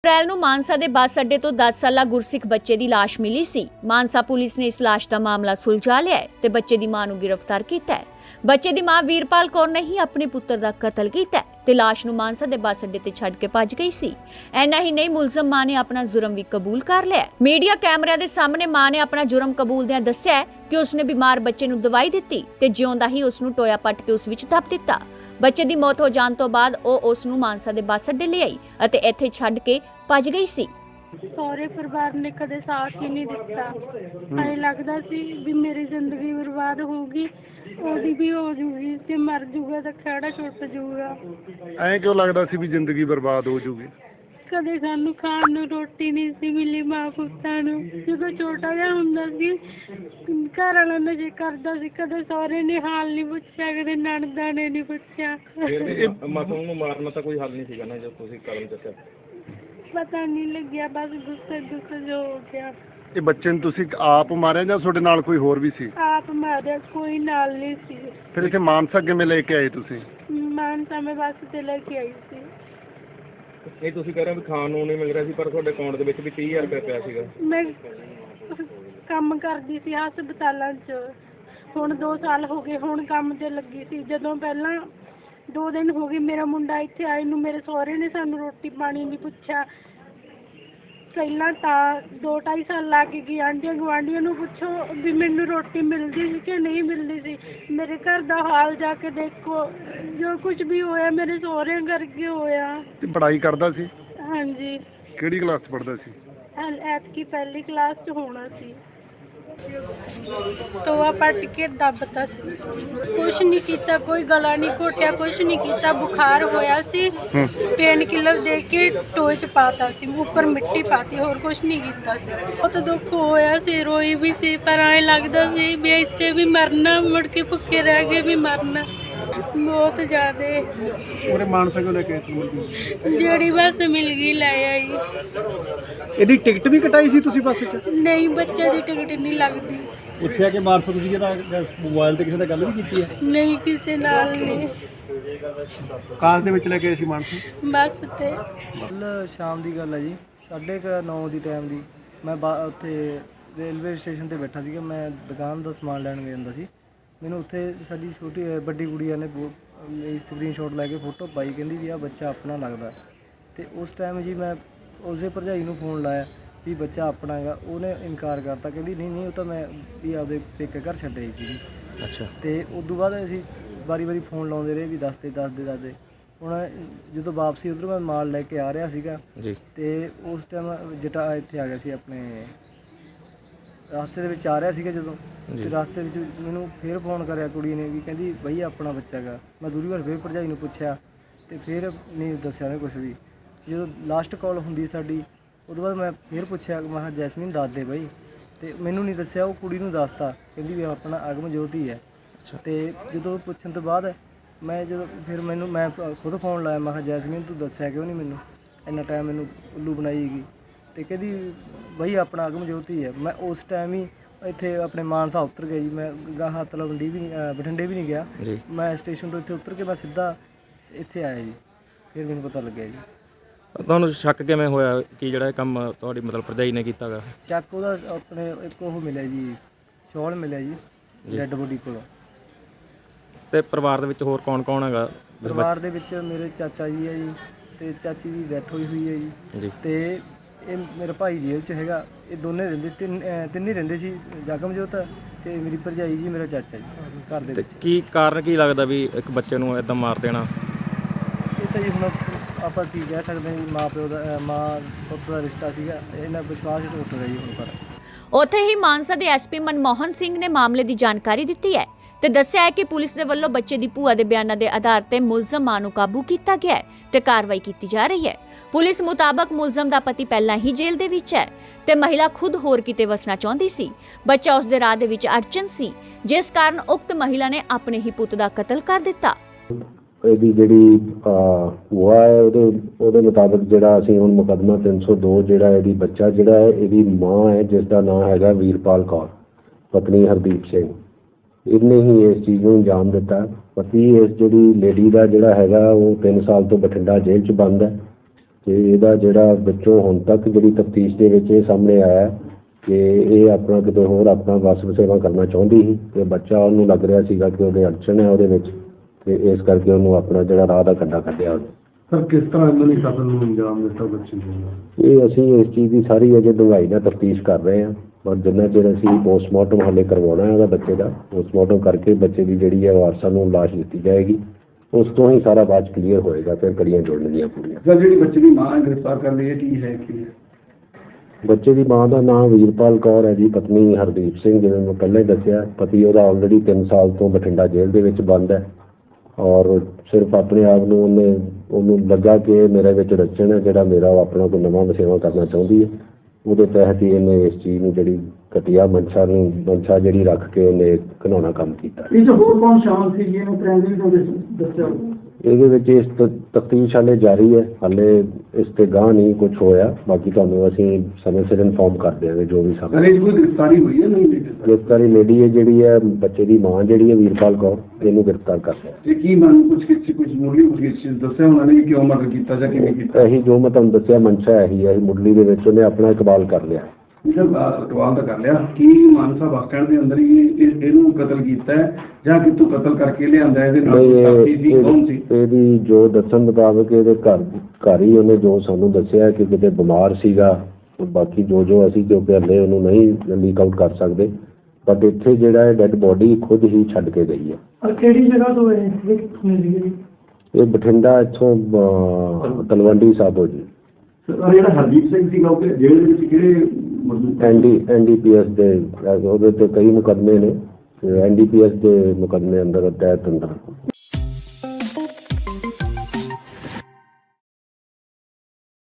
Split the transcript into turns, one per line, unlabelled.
अप्रैल ਨੂੰ ਮਾਨਸਾ ਦੇ ਬੱਸ ਅੱਡੇ ਤੋਂ 10 ਸਾਲਾ ਗੁਰਸਿੱਖ ਬੱਚੇ ਦੀ ਲਾਸ਼ ਮਿਲੀ ਸੀ। ਮਾਨਸਾ ਪੁਲਿਸ ਨੇ ਇਸ ਲਾਸ਼ ਦਾ ਮਾਮਲਾ ਸੁਲਝਾ ਲਿਆ ਹੈ ਤੇ ਬੱਚੇ ਦੀ ਮਾਂ ਨੂੰ ਗ੍ਰਿਫਤਾਰ ਕੀਤਾ ਹੈ। ਬੱਚੇ ਦੀ ਮਾਂ ਵੀਰਪਾਲ ਕੌਰ ਨੇ ਹੀ ਆਪਣੇ ਪੁੱਤਰ ਦਾ ਕਤਲ ਕੀਤਾ ਤੇ ਲਾਸ਼ ਨੂੰ ਮਾਨਸਾ ਦੇ ਬੱਸ ਅੱਡੇ ਤੇ ਛੱਡ ਕੇ ਭੱਜ ਗਈ ਸੀ। ਐਨਾ ਹੀ ਨਹੀਂ, ਮੁਲਜ਼ਮ ਮਾਂ ਨੇ ਆਪਣਾ ਜੁਰਮ ਵੀ ਕਬੂਲ ਕਰ ਲਿਆ। ਮੀਡੀਆ ਕੈਮਰਿਆਂ ਦੇ ਸਾਹਮਣੇ ਮਾਂ ਨੇ ਆਪਣਾ ਜੁਰਮ ਕਬੂਲਦਿਆਂ ਦੱਸਿਆ ਕਿ ਉਸਨੇ ਬਿਮਾਰ ਬੱਚੇ ਨੂੰ ਦਵਾਈ ਦਿੱਤੀ ਤੇ ਜਿਉਂਦਾ ਹੀ ਉਸ ਨੂੰ ਟੋਇਆ ਪੱਟ ਕੇ ਉਸ ਵਿੱਚ ਦੱਬ ਦਿੱਤਾ। ਬੱਚੇ ਦੀ ਮੌਤ ਹੋ ਜਾਣ ਤੋਂ ਬਾਅਦ ਉਹ ਉਸ ਨੂੰ ਮਾਨਸਾ ਦੇ ਬੱਸ ਅੱਡੇ ਲੈ ਆਈ ਅਤੇ ਇੱਥੇ ਛੱਡ ਕੇ ਭੱਜ ਗਈ ਸੀ।
ਸਹੁਰੇ ਪਰਿਵਾਰ ਨੇ ਕਦੇ ਸਾਥ ਹੀ ਨਹੀਂ ਦਿੱਤਾ। ਐਂ ਲੱਗਦਾ ਸੀ ਵੀ ਮੇਰੀ ਜ਼ਿੰਦਗੀ ਬਰਬਾਦ ਹੋਊਗੀ, ਉਹਦੀ ਵੀ ਹੋ ਜੂਗੀ, ਤੇ ਮਰ ਜੂਗਾ ਤਾਂ ਖੜਾ ਛੁੱਟ ਜੂਗਾ।
ਐਂ ਕਿਉਂ ਲੱਗਦਾ ਸੀ ਵੀ ਜ਼ਿੰਦਗੀ ਬਰਬਾਦ ਹੋ ਜੂਗੀ?
ਕਦੇ ਸਾਨੂੰ ਖਾਣ ਨੂੰ ਰੋਟੀ ਨਹੀਂ ਸੀ ਮਿਲੀ ਮਾਂ ਪੁੱਤਾਂ ਨੂੰ। ਜਦੋਂ ਛੋਟਾ ਜਿਹਾ ਹੁੰਦਾ ਸੀ ਘਰ ਵਾਲਾ ਨਸ਼ੇ ਕਰਦਾ ਸੀ, ਕਦੇ ਸਹੁਰੇ ਨੇ ਹਾਲ ਨਹੀਂ ਪੁੱਛਿਆ, ਕਦੇ ਨਣਦਾਂ ਨੇ ਨਹੀਂ ਪੁੱਛਿਆ।
ਮਾਸੂਮ ਨੂੰ ਮਾਰਨਾ ਤਾਂ ਕੋਈ ਹੱਲ ਨਹੀਂ ਸੀਗਾ ਨਾ, ਜੋ ਤੁਸੀਂ ਕਦਮ ਚੱਕਿਆ?
ਪਤਾ ਨਹੀਂ ਲੱਗਿਆ, ਬਸ ਗੁੱਸੇ ਜੋ ਹੋ ਗਿਆ।
ਇਹ ਬੱਚੇ ਨੂੰ ਤੁਸੀਂ ਆਪ ਮਾਰਿਆ ਜਾਂ ਤੁਹਾਡੇ ਨਾਲ ਕੋਈ ਹੋਰ ਵੀ ਸੀ?
ਆਪ ਮਾਰਿਆ, ਕੋਈ ਨਾਲ ਨਹੀਂ ਸੀ।
ਫਿਰ ਇੱਥੇ ਮਾਨਸਾ ਕਿਵੇਂ ਲੈ ਕੇ ਆਏ ਤੁਸੀਂ?
ਮਾਨਸਾ ਮੈਂ ਬੱਸ ਤੇ ਲੈ ਕੇ ਆਈ ਸੀ।
ਇਹ ਤੁਸੀਂ ਕਹਿ ਰਹੇ ਹੋ ਵੀ ਖਾਣ ਨੂੰ ਨਹੀਂ ਮਿਲ ਰਿਹਾ ਸੀ, ਪਰ ਤੁਹਾਡੇ ਅਕਾਊਂਟ ਦੇ ਵਿੱਚ ਵੀ 30,000 ਰੁਪਏ ਪਿਆ ਸੀਗਾ।
ਮੈਂ ਕੰਮ ਕਰਦੀ ਸੀ ਹਸਪਤਾਲਾਂ 'ਚ, ਹੁਣ 2 ਸਾਲ ਹੋ ਗਏ ਹੁਣ ਕੰਮ ਤੇ ਲੱਗੀ ਸੀ। ਜਦੋਂ ਪਹਿਲਾਂ 2 ਦਿਨ ਹੋ ਗਏ ਮੇਰਾ ਮੁੰਡਾ ਇੱਥੇ ਆਏ ਨੂੰ, ਮੇਰੇ ਸਹੁਰੇ ਨੇ ਸਾਨੂੰ ਰੋਟੀ ਪਾਣੀ ਨਹੀਂ ਪੁੱਛਿਆ। ਪਹਿਲਾਂ ਤਾਂ 2-2.5 ਸਾਲ ਲਾ ਕੇ ਗਈ, ਆਂਢੀਆਂ ਗੁਆਂਢੀਆਂ ਨੂੰ ਪੁੱਛੋ ਵੀ ਮੈਨੂੰ ਰੋਟੀ ਮਿਲਦੀ ਸੀ ਕਿ ਨਹੀਂ ਮਿਲਦੀ ਸੀ। ਮੇਰੇ ਘਰ ਦਾ ਹਾਲ ਜਾ ਕੇ ਦੇਖੋ, ਜੋ ਕੁਝ ਵੀ ਹੋਇਆ ਮੇਰੇ ਸਹੁਰਿਆਂ ਕਰਕੇ ਹੋਇਆ।
ਤੇ ਪੜ੍ਹਾਈ ਕਰਦਾ ਸੀ?
ਹਾਂਜੀ।
ਕਿਹੜੀ ਕਲਾਸ 'ਚ ਪੜ੍ਹਦਾ ਸੀ?
ਐਤਕੀ ਪਹਿਲੀ ਕਲਾਸ 'ਚ ਹੋਣਾ ਸੀ। ਟੋਆ ਪੱਟ ਕੇ ਦੱਬਤਾ ਸੀ, ਕੁਛ ਨਹੀਂ ਕੀਤਾ, ਕੋਈ ਗਲਾ ਨਹੀਂ ਘੋਟਿਆ, ਕੁਛ ਨਹੀਂ ਕੀਤਾ। ਬੁਖਾਰ ਹੋਇਆ ਸੀ, ਪੇਨ ਕਿਲਰ ਦੇ ਕੇ ਟੋਏ 'ਚ ਪਾਤਾ ਸੀ, ਉੱਪਰ ਮਿੱਟੀ ਪਾਤੀ, ਹੋਰ ਕੁਛ ਨਹੀਂ ਕੀਤਾ ਸੀ। ਬਹੁਤ ਦੁੱਖ ਹੋਇਆ ਸੀ, ਰੋਈ ਵੀ ਸੀ, ਪਰ ਐਂ ਲੱਗਦਾ ਸੀ ਵੀ ਇੱਥੇ ਵੀ ਮਰਨਾ, ਮੁੜ ਕੇ ਭੁੱਖੇ ਰਹਿ ਕੇ ਵੀ ਮਰਨਾ। ਬਹੁਤ ਜ਼ਿਆਦੇ
ਉਹਰੇ ਮਾਨਸਾ ਕੋਲ ਲੈ ਕੇ
ਜਿਹੜੀ ਬੱਸ ਮਿਲ ਗਈ ਲੈ ਆਈ।
ਇਹਦੀ ਟਿਕਟ ਵੀ ਕਟਾਈ ਸੀ ਤੁਸੀਂ ਬੱਸ 'ਚ?
ਨਹੀਂ, ਬੱਚੇ ਦੀ ਟਿਕਟ ਨਹੀਂ ਲੱਗਦੀ।
ਇੱਥੇ ਆ ਕੇ ਮਾਨਸਾ ਤੁਸੀਂ ਜਿਹੜਾ ਮੋਬਾਈਲ ਤੇ ਕਿਸੇ ਨਾਲ ਗੱਲ ਵੀ ਕੀਤੀ ਹੈ?
ਨਹੀਂ, ਕਿਸੇ ਨਾਲ ਨਹੀਂ।
ਕਾਰ ਦੇ ਵਿੱਚ ਲੈ ਕੇ ਆਏ ਸੀ ਮਾਨਸਾ?
ਬੱਸ ਤੇ।
ਕੱਲ੍ਹ ਸ਼ਾਮ ਦੀ ਗੱਲ ਹੈ ਜੀ, 9:30 ਦੀ ਟਾਈਮ ਦੀ। ਮੈਂ ਉੱਥੇ ਰੇਲਵੇ ਸਟੇਸ਼ਨ ਤੇ ਬੈਠਾ ਸੀਗਾ, ਮੈਂ ਦੁਕਾਨ ਦਾ ਸਮਾਨ ਲੈਣ ਗਿਆ ਜਾਂਦਾ ਸੀ। ਮੈਨੂੰ ਉੱਥੇ ਸਾਡੀ ਵੱਡੀ ਕੁੜੀਆਂ ਨੇ ਸਕਰੀਨਸ਼ਾਟ ਲੈ ਕੇ ਫੋਟੋ ਪਾਈ, ਕਹਿੰਦੀ ਵੀ ਆਹ ਬੱਚਾ ਆਪਣਾ ਲੱਗਦਾ। ਤੇ ਉਸ ਟਾਈਮ ਜੀ ਮੈਂ ਉਸੇ ਭਰਜਾਈ ਨੂੰ ਫੋਨ ਲਾਇਆ ਵੀ ਬੱਚਾ ਆਪਣਾ ਹੈਗਾ, ਉਹਨੇ ਇਨਕਾਰ ਕਰਤਾ, ਕਹਿੰਦੀ ਨਹੀਂ ਉਹ ਤਾਂ ਮੈਂ ਵੀ ਆਪਦੇ ਪੇਕੇ ਘਰ ਛੱਡਿਆ ਸੀ ਜੀ।
ਅੱਛਾ।
ਤੇ ਉਸ ਤੋਂ ਬਾਅਦ ਅਸੀਂ ਵਾਰੀ ਫੋਨ ਲਾਉਂਦੇ ਰਹੇ ਵੀ ਦੱਸਦੇ। ਹੁਣ ਜਦੋਂ ਵਾਪਸੀ ਉੱਧਰੋਂ ਮੈਂ ਮਾਲ ਲੈ ਕੇ ਆ ਰਿਹਾ ਸੀਗਾ
ਜੀ,
ਤੇ ਉਸ ਟਾਈਮ ਜਟਾ ਇੱਥੇ ਆ ਗਿਆ ਸੀ, ਆਪਣੇ ਰਸਤੇ ਦੇ ਵਿੱਚ ਆ ਰਿਹਾ ਸੀਗਾ ਜਦੋਂ, ਤੇ ਰਸਤੇ ਵਿੱਚ ਮੈਨੂੰ ਫਿਰ ਫੋਨ ਕਰਿਆ ਕੁੜੀ ਨੇ ਵੀ ਕਹਿੰਦੀ ਬਈ ਆਪਣਾ ਬੱਚਾ ਹੈਗਾ। ਮੈਂ ਦੂਰੀ ਵਾਰ ਫਿਰ ਭਰਜਾਈ ਨੂੰ ਪੁੱਛਿਆ ਤੇ ਫਿਰ ਨਹੀਂ ਦੱਸਿਆ ਉਹਨੇ ਕੁਛ ਵੀ। ਜਦੋਂ ਲਾਸਟ ਕਾਲ ਹੁੰਦੀ ਸਾਡੀ, ਉਦੋਂ ਬਾਅਦ ਮੈਂ ਫਿਰ ਪੁੱਛਿਆ, ਮੈਂ ਕਿਹਾ ਜੈਸਮੀਨ ਦੱਸ ਦੇ ਬਾਈ, ਤੇ ਮੈਨੂੰ ਨਹੀਂ ਦੱਸਿਆ। ਉਹ ਕੁੜੀ ਨੂੰ ਦੱਸਤਾ, ਕਹਿੰਦੀ ਵੀ ਆਪਣਾ ਅਗਮ ਜੋਤੀ ਹੈ। ਤੇ ਜਦੋਂ ਪੁੱਛਣ ਤੋਂ ਬਾਅਦ ਮੈਂ ਖੁਦ ਫੋਨ ਲਾਇਆ, ਮੈਂ ਕਿਹਾ ਜੈਸਮੀਨ ਤੂੰ ਦੱਸਿਆ ਕਿਉਂ ਨਹੀਂ ਮੈਨੂੰ, ਇੰਨਾ ਟਾਈਮ ਮੈਨੂੰ ਉੱਲੂ ਬਣਾਈ ਹੈਗੀ। ਤੇ ਕਹਿੰਦੀ ਬਈ ਆਪਣਾ ਅਗਮ ਜੋਤੀ ਹੈ। ਮੈਂ ਉਸ ਟਾਈਮ ਹੀ ਇੱਥੇ ਆਪਣੇ ਮਾਨਸਾ ਉਤਰ ਗਿਆ ਜੀ। ਮੈਂ ਗਾਹਾਂ ਤਲਵੰਡੀ ਵੀ ਬਠਿੰਡੇ ਵੀ ਨਹੀਂ ਗਿਆ, ਮੈਂ ਸਟੇਸ਼ਨ ਤੋਂ ਇੱਥੇ ਉਤਰ ਕੇ ਮੈਂ ਸਿੱਧਾ ਇੱਥੇ ਆਇਆ ਜੀ। ਫਿਰ ਮੈਨੂੰ ਪਤਾ ਲੱਗਿਆ ਜੀ।
ਤੁਹਾਨੂੰ ਸ਼ੱਕ ਕਿਵੇਂ ਹੋਇਆ ਕਿ ਜਿਹੜਾ ਇਹ ਕੰਮ ਤੁਹਾਡੀ ਮਤਲਬ ਭਰਜਾਈ ਨੇ ਕੀਤਾ ਗਾ?
ਸ਼ੱਕ ਉਹਦਾ ਆਪਣੇ ਇੱਕ ਉਹ ਮਿਲਿਆ ਜੀ, ਸ਼ੌਲ ਮਿਲਿਆ ਜੀ ਡੈੱਡ ਬੋਡੀ ਕੋਲ।
ਤੇ ਪਰਿਵਾਰ ਦੇ ਵਿੱਚ ਹੋਰ ਕੌਣ ਹੈਗਾ?
ਪਰਿਵਾਰ ਦੇ ਵਿੱਚ ਮੇਰੇ ਚਾਚਾ ਜੀ ਹੈ ਜੀ, ਤੇ ਚਾਚੀ ਦੀ ਡੈਥ ਹੋਈ ਹੈ ਜੀ। ਤੇ ਇਹ ਮੇਰਾ ਭਾਈ ਜੇਲ੍ਹ 'ਚ ਹੈਗਾ। ਇਹ ਦੋਨੇ ਰਹਿੰਦੇ, ਤਿੰਨ ਹੀ ਰਹਿੰਦੇ ਸੀ, ਜਗਮਜੋਤ ਤੇ ਮੇਰੀ ਭਰਜਾਈ ਜੀ, ਮੇਰਾ ਚਾਚਾ ਜੀ ਘਰ ਦੇ ਵਿੱਚ।
ਕੀ ਕਾਰਨ ਕੀ ਲੱਗਦਾ ਵੀ ਇੱਕ ਬੱਚੇ ਨੂੰ ਇਦਾਂ ਮਾਰ ਦੇਣਾ?
ਇਹ ਤਾਂ ਜੀ ਹੁਣ ਆਪਾਂ ਕੀ ਕਹਿ ਸਕਦੇ ਹਾਂ ਜੀ, ਮਾਂ ਪੁੱਤ ਦਾ ਰਿਸ਼ਤਾ ਸੀਗਾ, ਇਹਨਾਂ ਵਿਸ਼ਵਾਸ ਟੁੱਟ ਰਿਹਾ ਜੀ ਹੁਣ। ਪਰ
ਉੱਥੇ ਹੀ ਮਾਨਸਾ ਦੇ ਐਸਪੀ ਮਨਮੋਹਨ ਸਿੰਘ ਨੇ ਮਾਮਲੇ ਦੀ ਜਾਣਕਾਰੀ ਦਿੱਤੀ ਹੈ ਤੇ ਦੱਸਿਆ ਹੈ ਕਿ ਪੁਲਿਸ ਦੇ ਵੱਲੋਂ ਬੱਚੇ ਦੀ ਭੂਆ ਦੇ ਬਿਆਨਾਂ ਦੇ ਆਧਾਰ ਤੇ ਮੁਲਜ਼ਮ ਮਾਂ ਨੂੰ ਕਾਬੂ ਕੀਤਾ ਗਿਆ ਹੈ ਤੇ ਕਾਰਵਾਈ ਕੀਤੀ ਜਾ ਰਹੀ ਹੈ। ਪੁਲਿਸ ਮੁਤਾਬਕ ਮੁਲਜ਼ਮ ਦਾ ਪਤੀ ਪਹਿਲਾਂ ਹੀ ਜੇਲ੍ਹ ਦੇ ਵਿੱਚ ਹੈ ਤੇ ਮਹਿਲਾ ਖੁਦ ਹੋਰ ਕਿਤੇ ਵਸਣਾ ਚਾਹੁੰਦੀ ਸੀ। ਬੱਚਾ ਉਸ ਦੇ ਰਾਹ ਦੇ ਵਿੱਚ ਅੜਚਨ ਸੀ, ਜਿਸ ਕਾਰਨ ਉਕਤ ਮਹਿਲਾ ਨੇ ਆਪਣੇ ਹੀ ਪੁੱਤ ਦਾ ਕਤਲ ਕਰ ਦਿੱਤਾ।
ਇਹਦੀ ਜਿਹੜੀ ਭੂਆ ਹੈ ਉਹਦੇ ਮੁਤਾਬਕ ਜਿਹੜਾ ਅਸੀਂ ਹੁਣ ਮੁਕੱਦਮਾ 302 ਜਿਹੜਾ ਇਹਦੀ ਬੱਚਾ ਜਿਹੜਾ ਹੈ, ਇਹਦੀ ਮਾਂ ਹੈ ਜਿਸ ਦਾ ਨਾਮ ਹੈਗਾ ਵੀਰਪਾਲ ਕੌਰ, ਪਤਨੀ ਹਰਦੀਪ ਸਿੰਘ, ਇਹਨੇ ਹੀ ਇਸ ਚੀਜ਼ ਨੂੰ ਅੰਜਾਮ ਦਿੱਤਾ। ਪਤੀ ਇਸ ਜਿਹੜੀ ਲੇਡੀ ਦਾ ਜਿਹੜਾ ਹੈਗਾ ਉਹ 3 ਸਾਲ ਤੋਂ ਬਠਿੰਡਾ ਜੇਲ੍ਹ 'ਚ ਬੰਦ ਹੈ। ਤੇ ਇਹਦਾ ਜਿਹੜਾ ਵਿੱਚੋਂ ਹੁਣ ਤੱਕ ਜਿਹੜੀ ਤਫਤੀਸ਼ ਦੇ ਵਿੱਚ ਇਹ ਸਾਹਮਣੇ ਆਇਆ ਕਿ ਇਹ ਆਪਣਾ ਕਿਤੇ ਹੋਰ ਆਪਣਾ ਵਸ ਵਸੇਵਾ ਕਰਨਾ ਚਾਹੁੰਦੀ ਸੀ ਤੇ ਬੱਚਾ ਉਹਨੂੰ ਲੱਗ ਰਿਹਾ ਸੀਗਾ ਕਿ ਉਹਦੇ ਅੜਚਣ ਹੈ ਉਹਦੇ ਵਿੱਚ, ਤੇ ਇਸ ਕਰਕੇ ਉਹਨੂੰ ਆਪਣਾ ਜਿਹੜਾ ਰਾਹ ਦਾ ਕੰਡਾ ਕੱਢਿਆ ਉਹਨੇ।
ਸਰ ਕਿਸ ਤਰ੍ਹਾਂ ਇਹਨਾਂ ਨੇ ਕਤਲ ਨੂੰ ਅੰਜਾਮ ਦਿੱਤਾ ਬੱਚੇ ਨੂੰ?
ਇਹ ਅਸੀਂ ਇਸ ਚੀਜ਼ ਦੀ ਸਾਰੀ ਅਜੇ ਡੂੰਘਾਈ ਨਾਲ ਤਫਤੀਸ਼ ਕਰ ਰਹੇ ਹਾਂ, ਪਰ ਜਿੰਨਾ ਚਿਰ ਅਸੀਂ ਪੋਸਟਮਾਰਟਮ ਹਾਲੇ ਕਰਵਾਉਣਾ ਹੈ ਉਹਦਾ ਬੱਚੇ ਦਾ, ਪੋਸਟਮਾਰਟਮ ਕਰਕੇ ਬੱਚੇ ਦੀ ਜਿਹੜੀ ਹੈ ਵਾਰਸਾਂ ਨੂੰ ਲਾਸ਼ ਦਿੱਤੀ ਜਾਏਗੀ, ਉਸ ਤੋਂ ਹੀ ਸਾਰਾ ਬਾਅਦ ਕਲੀਅਰ ਹੋਏਗਾ, ਫਿਰ ਕੜੀਆਂ ਜੋੜਨਗੀਆਂ ਪੂਰੀਆਂ।
ਸਰ ਜਿਹੜੀ ਬੱਚੇ ਦੀ ਮਾਂ ਗ੍ਰਿਫਤਾਰ ਕਰ ਲਈ ਹੈ, ਕੀ ਹੈ ਕੀ ਹੈ?
ਬੱਚੇ ਦੀ ਮਾਂ ਦਾ ਨਾਮ ਵੀਰਪਾਲ ਕੌਰ ਹੈ ਜੀ, ਪਤਨੀ ਹਰਦੀਪ ਸਿੰਘ, ਜਿਵੇਂ ਮੈਂ ਪਹਿਲਾਂ ਹੀ ਦੱਸਿਆ। ਪਤੀ ਉਹਦਾ ਆਲਰੇਡੀ 3 ਸਾਲ ਤੋਂ ਬਠਿੰਡਾ ਜੇਲ੍ਹ ਦੇ ਵਿੱਚ ਬੰਦ ਹੈ, ਔਰ ਸਿਰਫ ਆਪਣੇ ਆਪ ਨੂੰ ਉਹਨੂੰ ਲੱਗਾ ਕਿ ਮੇਰੇ ਵਿੱਚ ਰਚਣ ਹੈ, ਜਿਹੜਾ ਮੇਰਾ ਉਹ ਆਪਣਾ ਕੋਈ ਨਵਾਂ ਵਸੇਵਾ ਕਰਨਾ ਚਾਹੁੰਦੀ ਹੈ, ਉਹਦੇ ਤਹਿਤ ਹੀ ਇਹਨੇ ਇਸ ਚੀਜ਼ ਨੂੰ ਜਿਹੜੀ ਘਟੀਆ ਮਨਸ਼ਾ ਜਿਹੜੀ ਰੱਖ ਕੇ ਉਹਨੇ ਘਿਨਾਉਣਾ ਕੰਮ ਕੀਤਾ।
ਇਹ ਜੋ ਹੋਰ ਕੌਣ ਸ਼ਾਮਲ ਸੀ ਇਹਨੂੰ ਪ੍ਰਾਇਮਰੀ ਤੋਂ ਦੱਸਿਆ?
ਇਹਦੇ ਵਿੱਚ ਇਸ ਤਫਤੀਸ਼ ਹਾਲੇ ਜਾਰੀ ਹੈ, ਹਾਲੇ ਇਸ ਤੇ ਗਾਂਹ ਨਹੀਂ ਕੁਝ ਹੋਇਆ, ਬਾਕੀ ਤੁਹਾਨੂੰ ਅਸੀਂ ਸਮੇਂ ਸਿਰ ਇਨਫੋਰਮ ਕਰ ਦਿਆਂਗੇ ਜੋ ਵੀ ਸਾਹਮਣੇ।
ਕੋਈ ਗ੍ਰਿਫਤਾਰੀ ਹੋਈ ਹੈ ਨਹੀਂ?
ਗ੍ਰਿਫਤਾਰੀ ਲੇਡੀ ਹੈ ਜਿਹੜੀ ਹੈ ਬੱਚੇ ਦੀ ਮਾਂ ਜਿਹੜੀ ਹੈ ਵੀਰਪਾਲ ਕੌਰ, ਇਹਨੂੰ ਗ੍ਰਿਫਤਾਰ ਕਰ ਲਿਆ।
ਇਹ ਕੀ ਮਨ ਕੁਝ ਮੁੱਢਲੀ ਪੁੱਛਗਿੱਛ ਦੱਸਿਆ ਉਹਨਾਂ ਨੇ ਕਿਉਂ ਮਰਡਰ ਕੀਤਾ ਜਾਂ ਕਿਵੇਂ ਕੀਤਾ?
ਇਹੀ ਜੋ ਮੈਂ ਤੁਹਾਨੂੰ ਦੱਸਿਆ ਮਨਸ਼ਾ ਇਹੀ ਹੈ, ਮੁੱਢਲੀ ਦੇ ਵਿੱਚ ਉਹਨੇ ਆਪਣਾ ਇਕਬਾਲ ਕਰ ਲਿਆ।
ਇਕਬਾਲ ਤਾਂ ਕਰ ਲਿਆ। ਕੀ ਮਾਨਸਾ ਬੱਸ ਸਟੈਂਡ ਦੇ ਅੰਦਰ ਹੀ ਇਹਨੂੰ ਕਤਲ ਕੀਤਾ ਹੈ ਜਾਂ ਕਿਤੋਂ ਕਤਲ ਕਰਕੇ ਲਿਆਂਦਾ? ਇਹਦੇ ਨਾਲ ਕੋਈ ਸਾਥੀ ਸੀ, ਕੌਣ ਸੀ?
ਇਹਦੀ ਜੋ ਦੱਸਣ ਮੁਤਾਬਕ ਇਹਦੇ ਘਰ ਹੀ ਉਹਨੇ ਜੋ ਸਾਨੂੰ ਦੱਸਿਆ ਕਿ ਕਿਤੇ ਬਿਮਾਰ ਸੀਗਾ, ਬਾਕੀ ਜੋ ਅਸੀਂ ਕਿਉਂਕਿ ਹਲੇ ਉਹਨੂੰ ਨਹੀਂ ਲੀਕ ਆਊਟ ਕਰ ਸਕਦੇ, ਬਟ ਇੱਥੇ ਜਿਹੜਾ ਹੈ ਡੈਡ ਬੋਡੀ ਖੁਦ ਹੀ ਛੱਡ ਕੇ ਗਈ ਹੈ।
ਕਿਹੜੀ ਜਗ੍ਹਾ ਤੋਂ ਹੈ
ਇਹ ਬਠਿੰਡਾ ਇੱਥੋਂ ਤਲਵੰਡੀ ਸਾਬੋ ਜੀ।
ਜਿਹੜਾ ਹਰਦੀਪ ਸਿੰਘ ਸੀਗਾ ਉਹ ਜੇਲ੍ਹ ਦੇ ਵਿੱਚ ਕਿਹੜੇ
NDPS ਦੇ ਉਹਦੇ ਤੇ ਕਈ ਮੁਕੱਦਮੇ ਨੇ, NDPS ਦੇ ਮੁਕੱਦਮੇ ਅੰਦਰ ਤਹਿਤ ਅੰਦਰ